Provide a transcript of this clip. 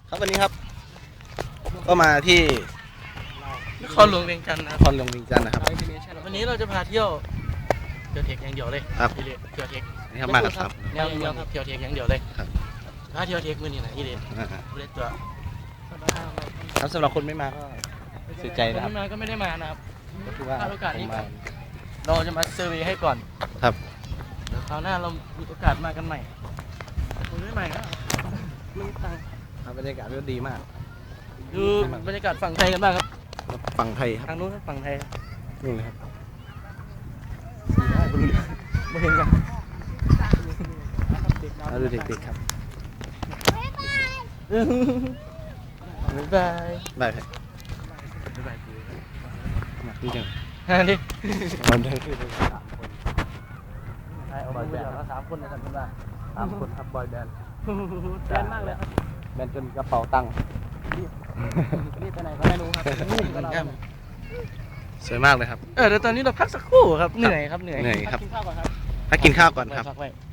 ครับวันนี้ครับก็มาที่นครหลวงเวียงจันทร์นะนครหลวงเวียงจันทร์นะครับวันนี้เราจะพาเที่ยวเทคอย่างเดียวเลยครับเที่ยวเทคนี่ครับมากับครับแนวเดียวครับเที่ยวเทคอย่างเดียวเลยครับถ้าเที่ยวเทคมือนี่นะนี่เด็ดอ่าเล่นตัวครับสำหรับคนไม่มาก็เสียใจนะครับไม่มาก็ไม่ได้มานะครับก็คือว่าพลาดโอกาสนี้ผมมาเราจะมาเซอร์เวย์ให้ก่อนครับเดี๋ยวคราวหน้าเรามีโอกาสมากันใหม่คุณไม่ใหม่ก็มึงตังครับบรรยากาศก็ดีมากดูบรรยากาศฝั่งไทยกันบ้างครับฝั่งไทยครับทางนู้นครับฝั่งไทยนี่นะครับไม่เห็นกันมาดูเด็กๆครับบ๊ายบายบายครับบ๊ายบายมาพี่จังฮะดิมันได้คือเป็น3 คนใช่เอาไปแบบละ3 คนนะครับคุณว่า 3 คนครับบอยแบนด์แบนมากเลยครับแบนด์จนกระเป๋าตังค์นี่ไปไหนก็ไม่รู้ครับสวยมากเลยครับเดี๋ยวตอนนี้เราพักสักครู่ครับ เหนื่อยครับ เหนื่อยเหนื่อยครับพักกินข้าวก่อนครับพักกินข้าวก่อนครับพักไว้